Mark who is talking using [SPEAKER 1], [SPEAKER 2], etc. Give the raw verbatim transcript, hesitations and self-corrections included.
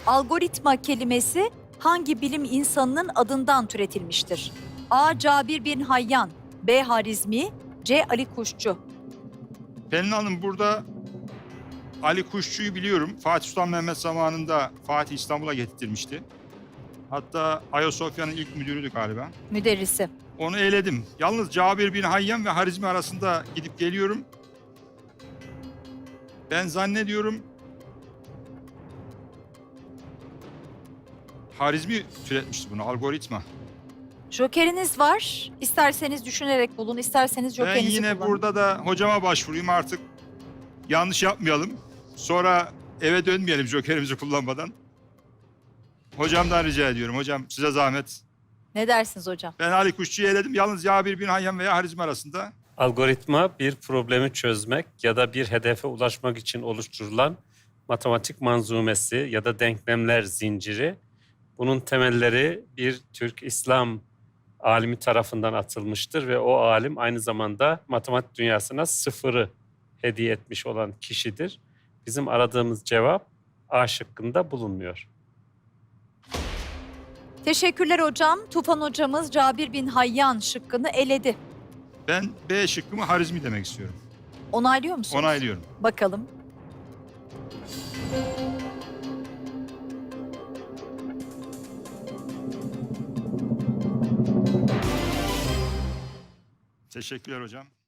[SPEAKER 1] Algoritma kelimesi hangi bilim insanının adından türetilmiştir? A. Cabir bin Hayyan, B. Harizmi, C. Ali Kuşçu.
[SPEAKER 2] Pelin Hanım, burada Ali Kuşçu'yu biliyorum. Fatih Sultan Mehmet zamanında Fatih İstanbul'a getirmişti. Hatta Ayasofya'nın ilk müdürüydü galiba.
[SPEAKER 1] Müderrisi.
[SPEAKER 2] Onu eledim. Yalnız Cabir bin Hayyan ve Harizmi arasında gidip geliyorum. Ben zannediyorum Harizmi türetmişti bunu, algoritma.
[SPEAKER 1] Jokeriniz var. İsterseniz düşünerek bulun, isterseniz
[SPEAKER 2] Ben
[SPEAKER 1] jokerinizi
[SPEAKER 2] yine
[SPEAKER 1] kullanın.
[SPEAKER 2] burada da hocama başvurayım, artık yanlış yapmayalım. Sonra eve dönmeyelim jokerimizi kullanmadan. Hocamdan rica ediyorum. Hocam, size zahmet.
[SPEAKER 1] Ne dersiniz hocam?
[SPEAKER 2] Ben Ali Kuşçu'yu eledim. Yalnız Cabir bin Hayyan veya Harizmi arasında.
[SPEAKER 3] Algoritma bir problemi çözmek ya da bir hedefe ulaşmak için oluşturulan matematik manzumesi ya da denklemler zinciri. Bunun temelleri bir Türk İslam alimi tarafından atılmıştır ve o alim aynı zamanda matematik dünyasına sıfırı hediye etmiş olan kişidir. Bizim aradığımız cevap A şıkkında bulunmuyor.
[SPEAKER 1] Teşekkürler hocam. Tufan hocamız Cabir bin Hayyan şıkkını eledi.
[SPEAKER 2] Ben B şıkkımı Harizmi demek istiyorum.
[SPEAKER 1] Onaylıyor musunuz?
[SPEAKER 2] Onaylıyorum.
[SPEAKER 1] Bakalım.
[SPEAKER 2] Teşekkürler hocam.